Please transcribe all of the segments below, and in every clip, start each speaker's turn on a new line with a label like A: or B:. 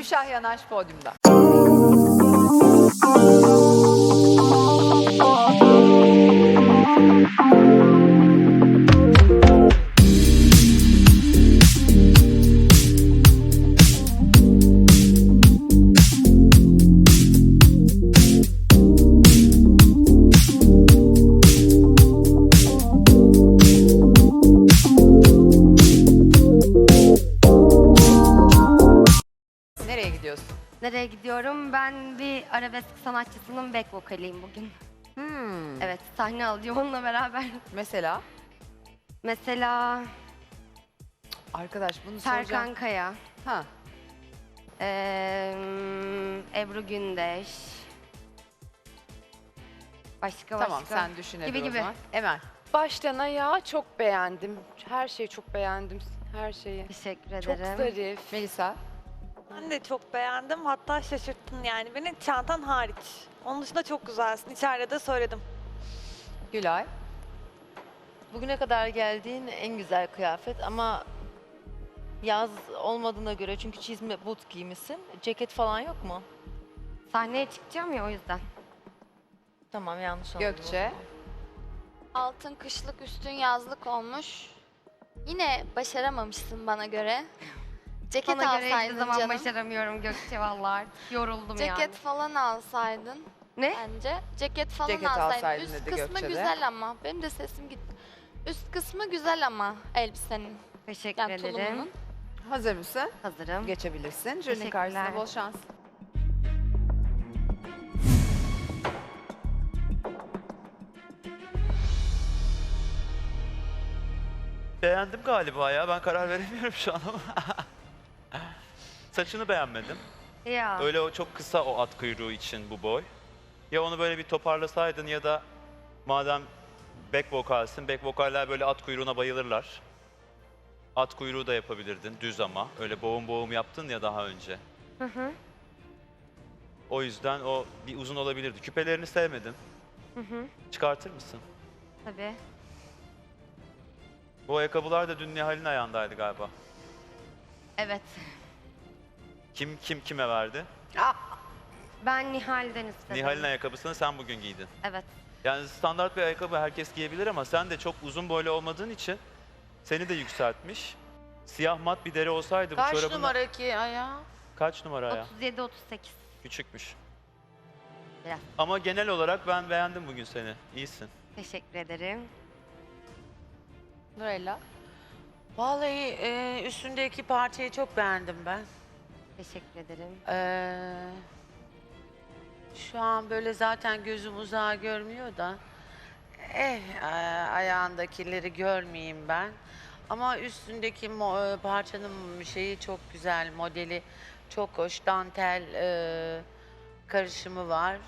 A: Gülşah Yanaş podyumda. Nereye gidiyorsun?
B: Nereye gidiyorum? Ben bir arabesk sanatçısının back vokaliyim bugün. Evet, sahne alacağım onunla beraber.
A: Mesela?
B: Mesela
A: Arkadaş bunu
B: Serkan
A: soracağım.
B: Kaya,
A: Ha.
B: Ebru Gündeş. Başka
A: Tamam
B: başka.
A: sen düşün Ebru
B: Gibi
A: o zaman. Emel.
C: Baştan ayağa çok beğendim. Her şeyi çok beğendim. Her şeyi.
B: Teşekkür
C: Çok
B: ederim.
C: zarif.
A: Melisa.
D: Ben de çok beğendim. Hatta şaşırttın yani beni, çantan hariç. Onun dışında çok güzelsin. İçeride de söyledim.
A: Gülay.
E: Bugüne kadar geldiğin en güzel kıyafet ama yaz olmadığına göre çünkü çizme but giymişsin. Ceket falan yok mu?
B: Sahneye çıkacağım ya o yüzden.
E: Tamam yanlış oldu.
A: Gökçe.
F: Altın kışlık üstün yazlık olmuş. Yine başaramamışsın bana göre. Ceket
B: Bana göre hiçbir
F: alsaydın
B: zaman
F: canım.
B: başaramıyorum Gökçe vallahi. Artık yoruldum
F: Ceket
B: yani.
F: falan alsaydın
B: Ne?
F: bence. Ceket falan
A: Ceket
F: alsaydın.
A: alsaydın
F: Üst
A: dedi
F: kısmı
A: Gökçe de.
F: güzel ama. Benim de sesim gitti. Üst kısmı güzel ama elbisenin.
B: Teşekkür
F: Yani
B: ederim.
F: tulumunun.
A: Hazır mısın?
B: Hazırım.
A: Geçebilirsin. Jürinin
B: Teşekkürler.
A: karşısında bol şans.
G: Beğendim galiba ya. Ben karar veremiyorum şu an ama. Saçını beğenmedim.
B: Ya.
G: Öyle o çok kısa o at kuyruğu için bu boy. Ya onu böyle bir toparlasaydın ya da madem back vokalsin, back vokaller böyle at kuyruğuna bayılırlar. At kuyruğu da yapabilirdin düz ama. Öyle boğum boğum yaptın ya daha önce.
B: Hı.
G: O yüzden o bir uzun olabilirdi. Küpelerini sevmedim. Çıkartır mısın?
B: Tabii.
G: Bu ayakkabılar da dün Nihal'in ayağındaydı galiba.
B: Evet.
G: Kim kime verdi?
B: Ben Nihal'den istedim.
G: Nihal'in ayakkabısını sen bugün giydin.
B: Evet.
G: Yani standart bir ayakkabı herkes giyebilir ama sen de çok uzun boylu olmadığın için seni de yükseltmiş. Siyah mat bir deri olsaydı bu
H: Kaç
G: çorabın...
H: numara ki ayağı?
G: Kaç numara ya?
B: 37-38.
G: Küçükmüş.
B: Biraz.
G: Ama genel olarak ben beğendim bugün seni. İyisin.
B: Teşekkür ederim.
A: Nurella.
H: Vallahi üstündeki parçayı çok beğendim ben.
B: Teşekkür ederim.
H: Şu an böyle zaten gözüm uzağa görmüyor da. Ayağındakileri görmeyeyim ben. Ama üstündeki parçanın şeyi çok güzel, modeli çok hoş. Dantel karışımı var.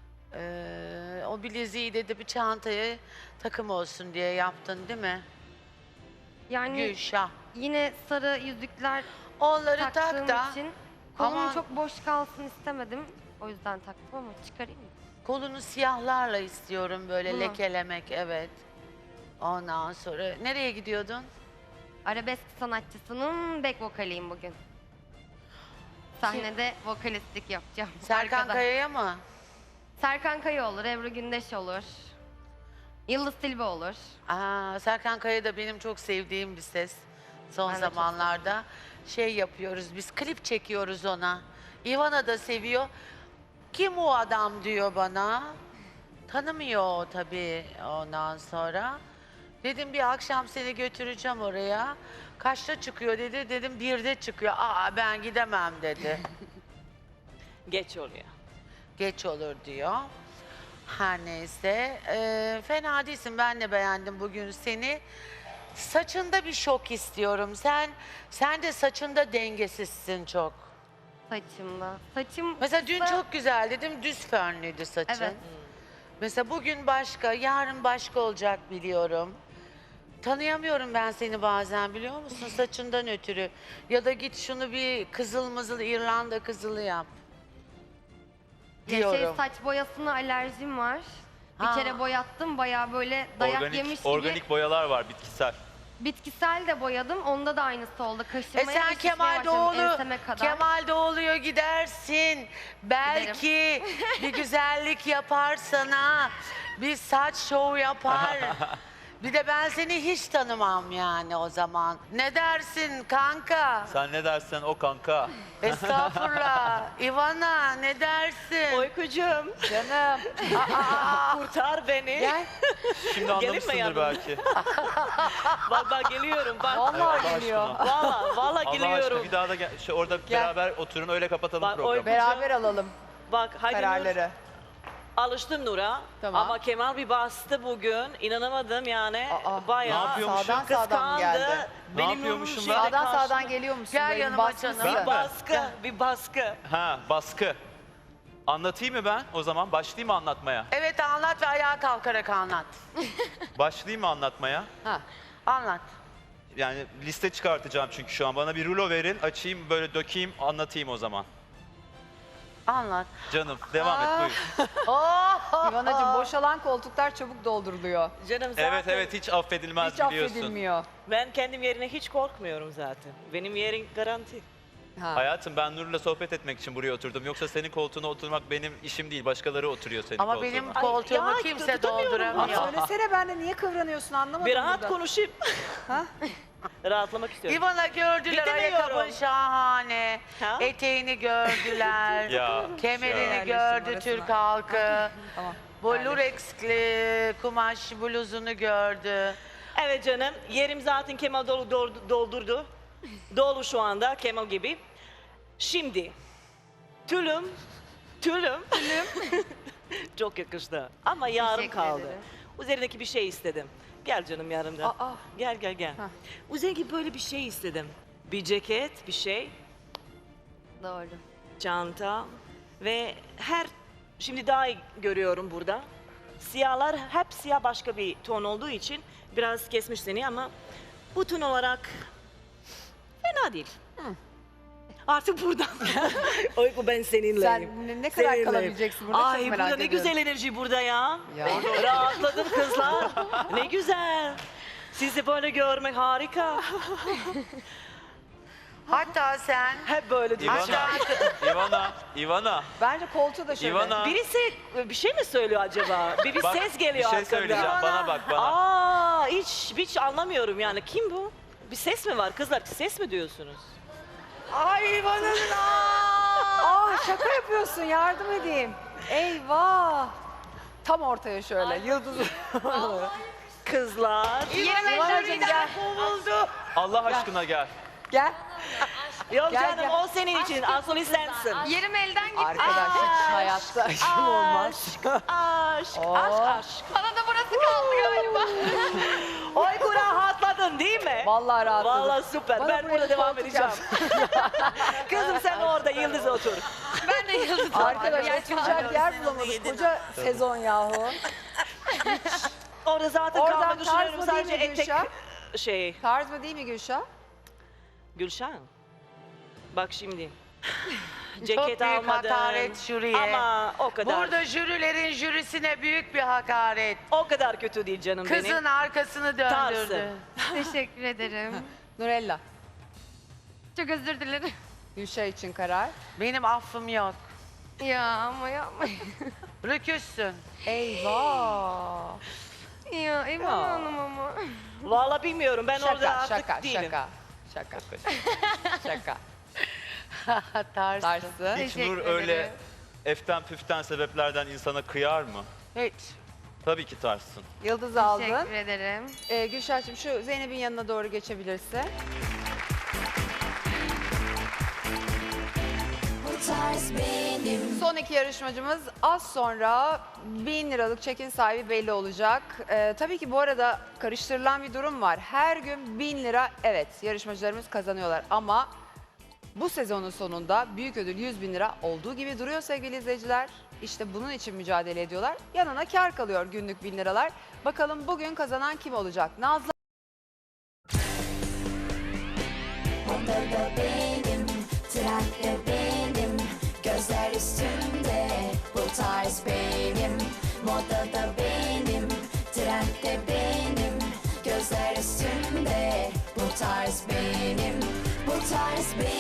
H: O bileziği de bir çantaya takım olsun diye yaptın değil mi?
B: Yani
H: Gülşah.
B: yine sarı yüzükler
H: Onları
B: taktığım
H: tak da
B: için kolum
H: Aman.
B: çok boş kalsın istemedim. O yüzden taktım ama çıkarayım mı?
H: kolunu siyahlarla istiyorum böyle
B: Bunu.
H: lekelemek, evet. Ondan sonra nereye gidiyordun?
B: Arabesk sanatçısının back vokaliyim bugün. Sahnede vokalistlik yapacağım.
H: Serkan
B: Arkada.
H: Kaya'ya mı?
B: Serkan Kaya olur, Ebru Gündeş olur. Yıldız Tilbe olur.
H: Serkan Kaya da benim çok sevdiğim bir ses. Son
B: Ben de çok
H: zamanlarda şey yapıyoruz, biz klip çekiyoruz ona. Ivana da seviyor. Kim o adam diyor bana. Tanımıyor o tabii ondan sonra. Dedim bir akşam seni götüreceğim oraya. Kaçta çıkıyor dedi. Dedim 1'de çıkıyor. Ben gidemem dedi.
C: Geç oluyor.
H: Geç olur diyor. Her neyse. Fena değilsin. Ben de beğendim bugün seni. Saçında bir şok istiyorum. Sen de saçında dengesizsin çok.
B: Saçımda. Saçım
H: Mesela dün
B: kısa-
H: çok güzel dedim. Düz fönlüydü saçın.
B: Evet.
H: Mesela bugün başka, yarın başka olacak biliyorum. Tanıyamıyorum ben seni bazen biliyor musun saçından ötürü. Ya da git şunu bir kızıl mızıl İrlanda kızılı yap.
B: Ya
H: Diyorum.
B: saç boyasına alerjim var.
H: Ha.
B: Bir kere boyattım bayağı böyle dayak yemiş gibi.
G: Organik boyalar var bitkisel.
B: Bitkisel de boyadım. Onda da aynısı oldu. Kaşımaya ve
H: Sen
B: şişmeye
H: Kemal
B: başladım
H: Doğulu,
B: enseme kadar.
H: Kemal Doğulu'ya gidersin. Belki bir güzellik yapar sana. Bir saç şovu yapar. Bir de ben seni hiç tanımam yani o zaman. Ne dersin kanka?
G: Sen ne dersen o kanka.
H: Estağfurullah. Ivana ne dersin?
I: Uykucuğum,
A: Canım.
I: kurtar beni.
H: Gel.
G: Şimdi
I: Gelin mi
G: anlamışsındır
I: yanıma?
G: belki.
I: Bak geliyorum bak.
A: Vallahi
G: Allah
A: geliyor.
G: aşkına.
I: Valla
G: Allah aşkına
I: geliyorum.
G: bir daha da gel. Orada beraber oturun öyle kapatalım
I: Bak,
G: programı.
A: Beraber alalım
I: Bak hadi Nur,
A: kararları.
I: alıştım Nur'a.
A: Tamam.
I: Ama Kemal bir bastı bugün. İnanamadım yani.
A: Aa,
I: Bayağı
G: Ne yapıyormuşum?
A: Sağdan sağdan mı geldi?
I: kıskandı.
G: Ne
I: Benim
G: yapıyormuşum
I: Nur'un
G: ben?
I: şeyde
A: Sağdan
I: karşı-
A: sağdan geliyor musun?
H: Gel
A: Böyle
H: yanıma
A: basmışsın.
H: canım.
I: Bir baskı, bir baskı.
G: Ha baskı. Anlatayım mı ben o zaman? Başlayayım mı anlatmaya?
H: Evet anlat ve ayağa kalkarak anlat.
G: Başlayayım mı anlatmaya?
A: Ha.
H: Anlat.
G: Yani liste çıkartacağım çünkü şu an. Bana bir rulo verin, açayım, böyle dökeyim, anlatayım o zaman.
H: Anlat.
G: Canım, devam et buyur.
A: İvanacığım boşalan koltuklar çabuk dolduruluyor.
I: Canım zaten
G: Evet evet, hiç affedilmez
A: Hiç
G: biliyorsun.
A: affedilmiyor.
I: ben kendim yerine hiç korkmuyorum zaten. Benim yerim garanti.
A: Ha.
G: Hayatım ben Nur'la sohbet etmek için buraya oturdum. Yoksa senin koltuğuna oturmak benim işim değil. Başkaları oturuyor senin
H: Ama
G: koltuğuna.
H: benim
I: Ay,
H: koltuğumu
I: ya,
H: kimse
I: tutamıyorum.
A: Ama
H: dolduramıyor.
A: söylesene ben de niye kıvranıyorsun anlamadım
I: Bir rahat
A: burada.
I: konuşayım.
A: Ha?
I: Rahatlamak istiyorum.
H: İvana gördüler,
I: Bitemiyorum.
H: ayakkabın şahane.
I: Ha?
H: Eteğini gördüler.
G: Ya.
H: Kemerini
A: Yerleşim
H: gördü
A: arasına.
H: Türk halkı.
A: Tamam.
H: Bu lurexli kumaş bluzunu gördü.
I: Evet canım, yerim zaten Kemal doldurdu. Dolu şu anda Kemal gibi. Şimdi, tülüm. Çok yakıştı ama yarım
B: Teşekkür
I: kaldı.
B: ederim.
I: Üzerindeki bir şey istedim. Gel canım yanımda.
A: Aa.
I: Gel.
A: Hah.
I: Üzerindeki böyle bir şey istedim. Bir ceket, bir şey,
B: Doğru.
I: çanta ve şimdi daha iyi görüyorum burada. Siyahlar hep siyah başka bir ton olduğu için biraz kesmiş seni ama bu ton olarak fena değil. Artık buradan. Uyku ben seninleyim.
A: Sen ne kadar
I: Seninleyim.
A: kalabileceksin burada
I: Ay
A: çok merak
I: burada ne
A: ediyorum.
I: güzel enerji burada ya.
A: Ya.
I: Rahatladım kızlar. Ne güzel. Sizi böyle görmek harika.
H: Hatta sen
I: Hep böyle diyor.
G: Ivana.
A: Bence koltuğu da şöyle.
G: Ivana.
I: Birisi bir şey mi söylüyor acaba? Bir
G: Bak,
I: ses geliyor
G: bir şey
I: arkamda.
G: söyleyeceğim. Bana bak bana.
I: Aa, hiç anlamıyorum yani. Kim bu? Bir ses mi var kızlar? Ses mi diyorsunuz?
H: ay İvan'ın
A: Şaka yapıyorsun yardım edeyim. Eyvah. Tam ortaya şöyle yıldız.
I: Kızlar.
A: İvanacığım gel.
H: kovuldu.
G: Allah aşkına gel.
A: Gel.
I: Yok
A: Gel,
I: canım
A: gel.
I: o senin için. Asıl sensin.
B: Yerim elden gitti.
A: Arkadaş hiç hayatta aşkım olmaz.
I: Aşk.
B: Bana da burası kaldı galiba.
I: Oy rahatladın değil mi?
A: Vallahi rahatladım.
I: Vallahi süper.
A: Bana
I: Ben
A: buraya
I: burada devam
A: koltuk
I: edeceğim. Kızım sen orada Yıldız otur.
B: Ben de yıldız
A: Arkadaş
B: oturacağım.
A: oturacak yer bulamadık. Koca sezon yahu.
I: Orada zaten
A: Oradan
I: kalmayı düşünüyorum
A: tarz mı değil
I: sadece
A: mi
I: etek
A: Gülşah?
I: şey.
A: Tarz mı değil mi Gülşah?
I: Gülşen. Bak şimdi.
H: Çok
I: Ceket
H: büyük
I: almadım.
H: hakaret jüriye.
I: Ama o kadar.
H: Burada jürilerin jürisine büyük bir hakaret.
I: O kadar kötü değil canım
H: Kızın
I: benim.
H: arkasını döndürdü.
B: Teşekkür ederim.
A: Nurella.
B: Çok özür dilerim.
A: Gülşah için karar.
H: Benim affım yok.
B: Ya ama yapma.
H: Rüküssün.
A: Eyvah.
B: Ya Eyvan Hanım ama.
I: Vallahi bilmiyorum ben orada
A: Şaka
I: artık
A: şaka
I: değilim.
A: şaka. Şaka.
H: Tarsın.
A: Tarzı.
G: Hiç
B: Teşekkür
G: Nur öyle
B: ederim.
G: eften püften sebeplerden insana kıyar mı?
H: Hiç.
G: Tabii ki tarzsın.
A: Yıldız aldın.
B: Teşekkür ederim.
A: Gülşah'cığım şu Zeynep'in yanına doğru geçebilirse. Son iki yarışmacımız az sonra 1000 liralık çekin sahibi belli olacak. Tabii ki bu arada karıştırılan bir durum var. Her gün 1000 lira evet yarışmacılarımız kazanıyorlar ama bu sezonun sonunda büyük ödül 100 bin lira olduğu gibi duruyor sevgili izleyiciler. İşte bunun için mücadele ediyorlar. Yanına kar kalıyor günlük 1000 liralar. Bakalım bugün kazanan kim olacak? Nazlı
J: Odada benim, trende benim, gözler üstünde, bu tarz benim. Modada benim, trendde benim, gözler üstünde, tarz benim, bu tarz benim.